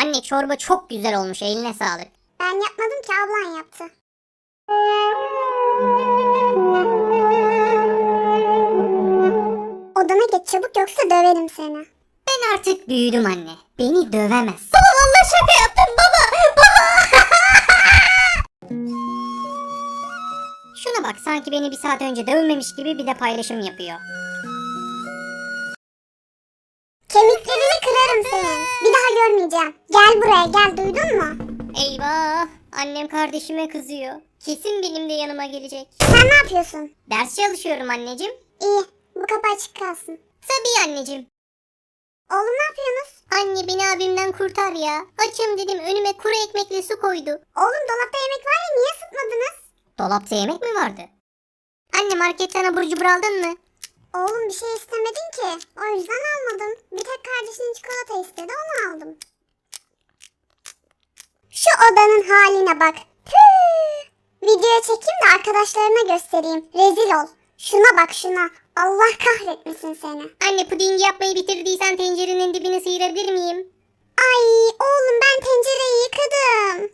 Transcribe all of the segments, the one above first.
Anne çorba çok güzel olmuş, eline sağlık. Ben yapmadım ki, ablan yaptı. Odana geç çabuk yoksa döverim seni. Ben artık büyüdüm anne. Beni dövemez. Baba vallahi şaka yaptım baba. Şuna bak, sanki beni bir saat önce dövmemiş gibi bir de paylaşım yapıyor. Kemiklerini kırarım senin. Bir daha görmeyeceğim. Gel buraya gel, duydun mu? Eyvah, annem kardeşime kızıyor. Kesin benim de yanıma gelecek. Sen ne yapıyorsun? Ders çalışıyorum anneciğim. İyi, bu kapı açık kalsın. Tabii anneciğim. Oğlum ne yapıyorsunuz? Anne beni abimden kurtar ya. Açım dedim, önüme kuru ekmekle su koydu. Oğlum dolapta yemek var ya, niye ısıtmadınız? Dolapta yemek mi vardı? Anne marketten abur cubur aldın mı? Oğlum bir şey istemedin ki. O yüzden almadım. Bir tek kardeşinin çikolata istedi, onu aldım. Şu odanın haline bak. Püh! Videoya çekeyim de arkadaşlarına göstereyim. Rezil ol. Şuna bak şuna. Allah kahretmesin seni. Anne pudingi yapmayı bitirdiysen tencerenin dibini sıyırabilir miyim? Ay oğlum, ben tencereyi yıkadım.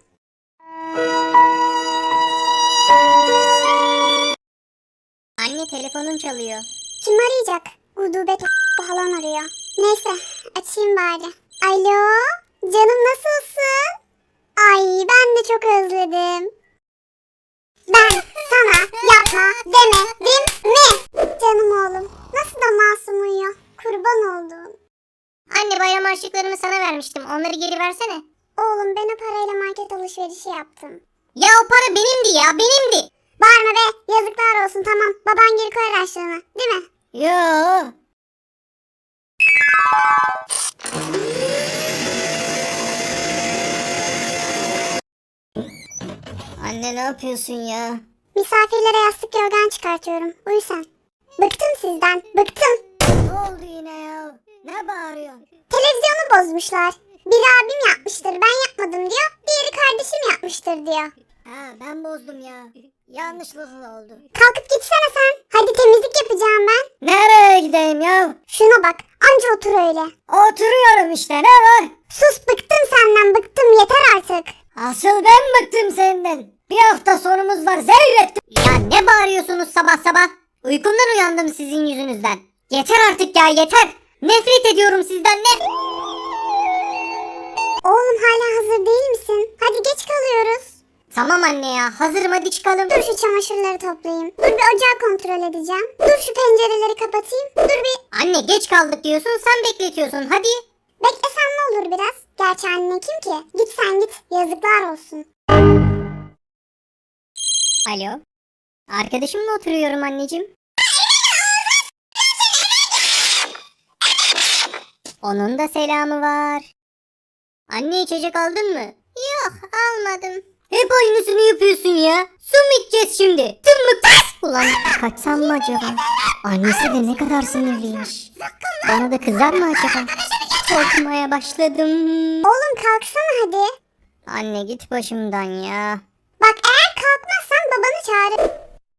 Anne telefonun çalıyor. Kim arayacak? Gudubet falan arıyor. Neyse açayım bari. Alo, canım nasılsın? Ay ben de çok özledim. Ben sana yapma demedim mi? Canım oğlum, nasıl da masum uyuyor. Kurban oldum. Anne bayram harçlıklarımı sana vermiştim. Onları geri versene. Oğlum ben o parayla market alışverişi yaptım. Ya o para benimdi ya, benimdi. Bağırma be, yazıklar olsun, tamam. Baban geri koyar harçlığını, değil mi? Yo. Anne ne yapıyorsun ya? Misafirlere yastık yorgan çıkartıyorum. Uyu sen. Bıktım sizden, bıktım. Ne oldu yine ya? Ne bağırıyorsun? Televizyonu bozmuşlar. Biri abim yapmıştır, ben yapmadım diyor. Diğeri kardeşim yapmıştır diyor. Ha ben bozdum ya. Yanlışlıkla oldu. Kalkıp gitsene sen. Hadi temizlik yapacağım ben. Nereye gideyim ya? Şuna bak, anca otur öyle. Oturuyorum işte, ne var? Sus, bıktım senden, bıktım, yeter artık. Asıl ben bıktım senden. Bir hafta sonumuz var, zerrettim. Ya ne bağırıyorsunuz sabah sabah? Uykumdan uyandım sizin yüzünüzden. Yeter artık ya, yeter. Nefret ediyorum sizden, ne? Oğlum hala hazır değil misin? Hadi geç kalıyoruz. Tamam anne ya, hazırım, hadi çıkalım. Dur şu çamaşırları toplayayım. Dur bir ocağı kontrol edeceğim. Dur şu pencereleri kapatayım. Dur bir... Anne geç kaldık diyorsun, sen bekletiyorsun, hadi. Beklesen ne olur biraz? Gerçi anne kim ki? Git sen git. Yazıklar olsun. Alo. Arkadaşımla oturuyorum anneciğim. Onun da selamı var. Anne içecek aldın mı? Yok almadım. Hep aynısını yapıyorsun ya. Su mu içeceğiz şimdi? Tırmık tas. Ulan kaçsam mı acaba? Annesi de ne kadar sinirliymiş. Bana da kızar mı acaba? Korkmaya başladım. Oğlum kalksana hadi. Anne git başımdan ya. Bak eğer kalkmazsan babanı çağırır.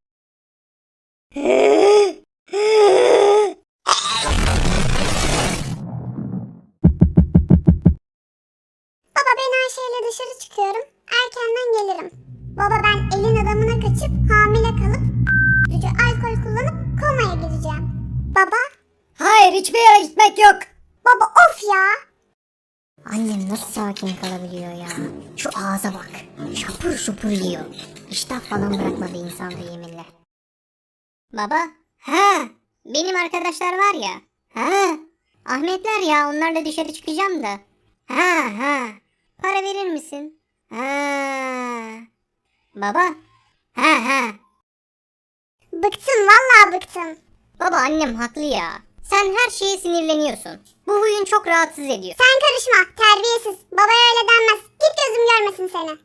Baba ben Ayşe ile dışarı çıkıyorum. Erkenden gelirim. Baba ben elin adamına kaçıp hamile kalıp gücü alkol kullanıp komaya gireceğim. Baba. Hayır, hiçbir yere gitmek yok. Baba of ya. Annem nasıl sakin kalabiliyor ya? Şu ağza bak. Şapur şupur yiyor. İştah falan bırakmadı insanda yeminle. Baba. Ha. Benim arkadaşlar var ya. Ha. Ahmetler ya, onlarla dışarı çıkacağım da. Ha. Para verir misin? Ha. Baba. Ha. Bıktım vallahi bıktım. Baba annem haklı ya. Sen her şeye sinirleniyorsun. Bu huyun çok rahatsız ediyor. Sen karışma terbiyesiz. Babaya öyle denmez. Git gözüm görmesin seni.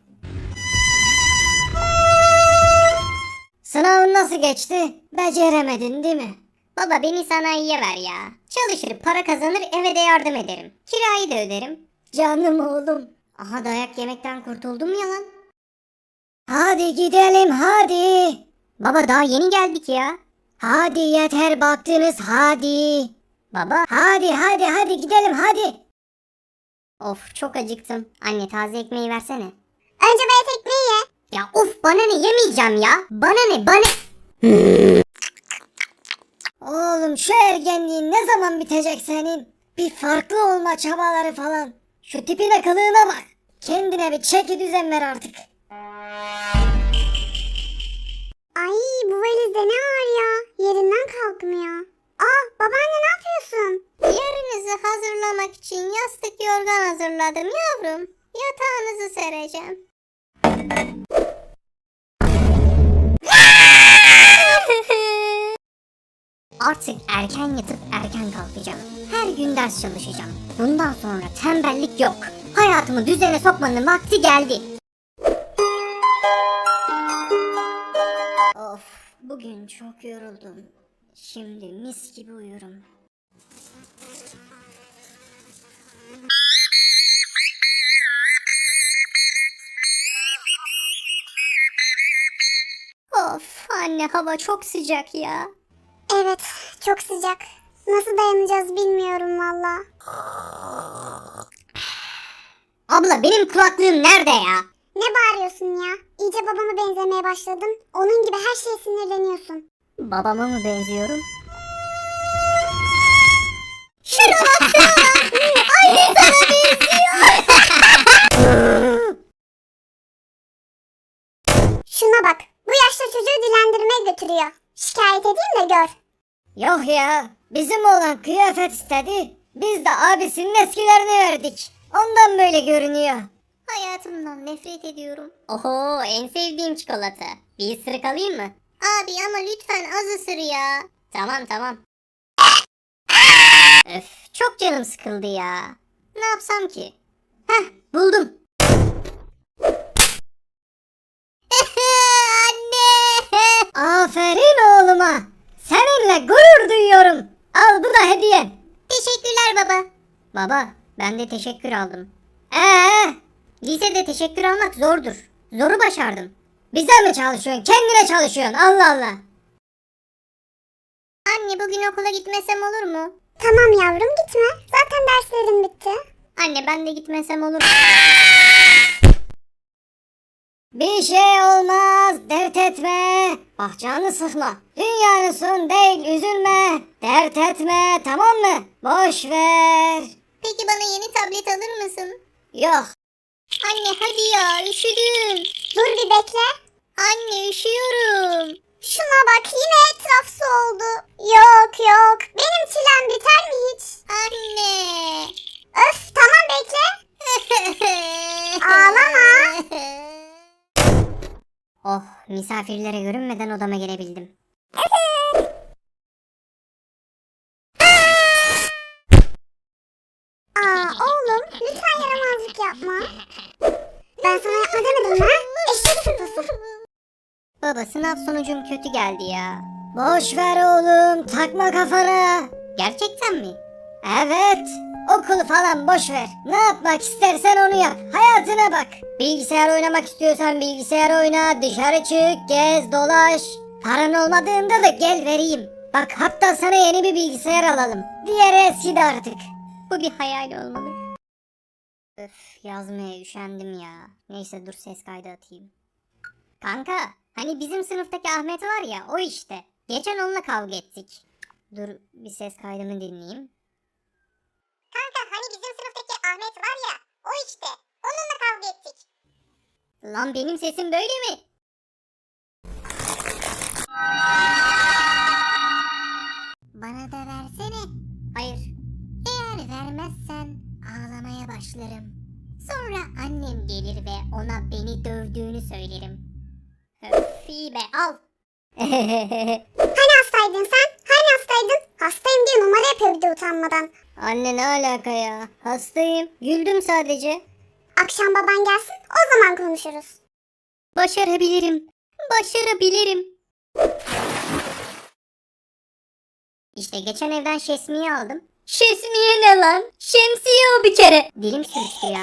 Sınavın nasıl geçti? Beceremedin değil mi? Baba beni sanayiye ver ya. Çalışır, para kazanır, eve de yardım ederim. Kirayı da öderim. Canım oğlum. Aha dayak yemekten kurtuldum ya lan. Hadi gidelim hadi. Baba daha yeni geldik ya. Hadi yeter baktınız hadi. Baba hadi gidelim hadi. Of çok acıktım. Anne taze ekmeği versene. Önce bayat ekmeği ye. Ya of bana ne yemeyeceğim ya. Bana ne bana. Oğlum şu ergenliğin ne zaman bitecek senin? Bir farklı olma çabaları falan. Şu tipine kılığına bak. Kendine bir çeki düzen ver artık. Ay bu valizde ne var ya? Yerinden kalkmıyor. Aa babaanne ne yapıyorsun? Yerinizi hazırlamak için yastık yorgan hazırladım yavrum. Yatağınızı sereceğim. Artık erken yatıp erken kalkacağım. Her gün ders çalışacağım. Bundan sonra tembellik yok. Hayatımı düzene sokmanın vakti geldi. Of, bugün çok yoruldum. Şimdi mis gibi uyurum. Of, anne hava çok sıcak ya. Evet çok sıcak. Nasıl dayanacağız bilmiyorum valla. Abla benim kulaklığım nerede ya? Ne bağırıyorsun ya? İyice babama benzemeye başladın. Onun gibi her şeye sinirleniyorsun. Babama mı benziyorum? Şuna baksana! Aynı sana benziyor! Şuna bak. Bu yaşta çocuğu dilendirmeye götürüyor. Şikayet edeyim de gör. Yok ya, bizim oğlan kıyafet istedi. Biz de abisinin eskilerini verdik. Ondan böyle görünüyor. Hayatımdan nefret ediyorum. Oho, en sevdiğim çikolata. Bir ısırık alayım mı? Abi ama lütfen az ısır ya. Tamam tamam. Öf, çok canım sıkıldı ya. Ne yapsam ki? Heh, buldum. Anne! Aferin oğluma. Seninle gurur duyuyorum. Al bu da hediyen. Teşekkürler baba. Baba, ben de teşekkür aldım. Lisede teşekkür almak zordur. Zoru başardım. Bize mi çalışıyorsun? Kendine çalışıyorsun. Allah Allah. Anne bugün okula gitmesem olur mu? Tamam yavrum gitme. Zaten derslerin bitti. Anne ben de gitmesem olur mu? Bir şey olmaz, dert etme. Ah canını sıkma. Dünyanın sonu değil, üzülme. Dert etme, tamam mı? Boş ver. Peki bana yeni tablet alır mısın? Yok. Anne hadi ya, üşüdüm. Dur bir bekle. Anne üşüyorum. Şuna bak yine etraf su oldu. Yok yok. Benim çilem biter mi hiç? Anne. Öf tamam bekle. Ağlama. Oh, misafirlere görünmeden odama gelebildim. Aa oğlum lütfen yaramazlık yapma. Ben sana yapma demedim mi? Eşek sıpası. Baba sınav sonucum kötü geldi ya. Boş ver oğlum, takma kafana. Gerçekten mi? Evet. Okul falan boş ver. Ne yapmak istersen onu yap. Hayatına bak. Bilgisayar oynamak istiyorsan bilgisayar oyna. Dışarı çık, gez, dolaş. Paran olmadığında da gel vereyim. Bak hatta sana yeni bir bilgisayar alalım. Diğeri eskidi artık. Bu bir hayal olmalı. Öf, yazmaya üşendim ya. Neyse dur ses kaydı atayım. Kanka, hani bizim sınıftaki Ahmet var ya, o işte. Geçen onunla kavga ettik. Dur bir ses kaydımı dinleyeyim. Kanka hani bizim sınıftaki Ahmet var ya o işte. Onunla kavga ettik. Lan benim sesim böyle mi? Bana da versene. Hayır. Eğer vermezsen ağlamaya başlarım. Sonra annem gelir ve ona beni dövdüğünü söylerim. Öf iyi be al. Hani hastaydın sen? Hani hastaydın? Hastayım diye numara yapıyor bir de utanmadan. Anne ne alaka ya? Hastayım. Güldüm sadece. Akşam baban gelsin o zaman konuşuruz. Başarabilirim. Başarabilirim. İşte geçen evden şesmiye aldım. Şesmiye ne lan? Şemsiye o bir kere. Dilim sürçtü ya.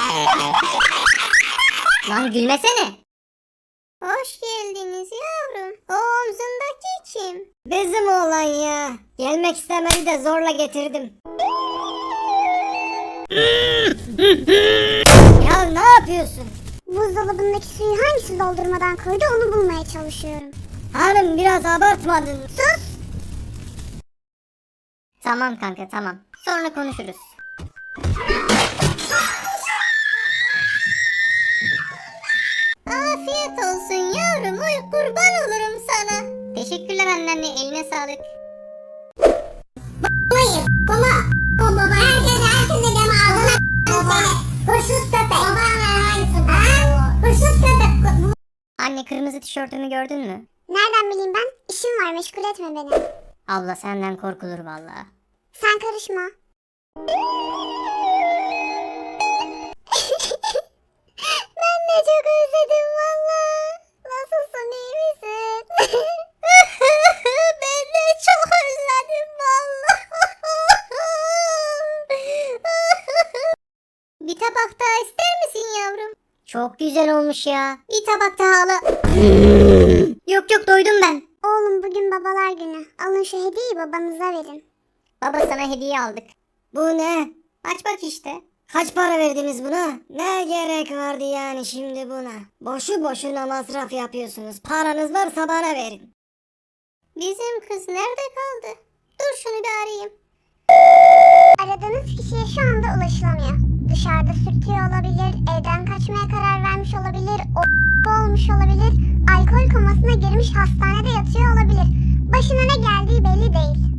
Lan gülmesene. Hoş geldiniz yavrum. O omzundaki kim? Bizim oğlan ya. Gelmek istemedi de zorla getirdim. Ya ne yapıyorsun? Buzdolabındaki suyu hangisi doldurmadan koydu onu bulmaya çalışıyorum. Hanım biraz abartmadın. Sus! Tamam kanka tamam. Sonra konuşuruz. Afiyet olsun yavrum. Uy kurban olurum sana. Teşekkürler anneanne. Eline sağlık. Hayır baba. Baba herkese deme ağzına seni. Hırsız köpek. Baba hırsız köpek. Anne kırmızı tişörtümü gördün mü? Nereden bileyim ben? İşim var meşgul etme beni. Abla senden korkulur vallahi. Sen karışma. Ben de çok özledim valla. Nasılsın iyi misin? Ben de çok özledim valla. Bir tabak daha ister misin yavrum? Çok güzel olmuş ya. Bir tabak daha al. Yok yok doydum ben. Oğlum bugün babalar günü. Alın şu hediyeyi babanıza verin. Baba sana hediye aldık. Bu ne? Aç bak işte. Kaç para verdiniz buna? Ne gerek vardı yani şimdi buna? Boşu boşuna masraf yapıyorsunuz. Paranız varsa bana verin. Bizim kız nerede kaldı? Dur şunu bir arayayım. Aradığınız kişiye şu anda ulaşılamıyor. Dışarıda sürtüyor olabilir, evden kaçmaya karar vermiş olabilir, olmuş olabilir, alkol komasına girmiş hastanede yatıyor olabilir. Başına ne geldiği belli değil.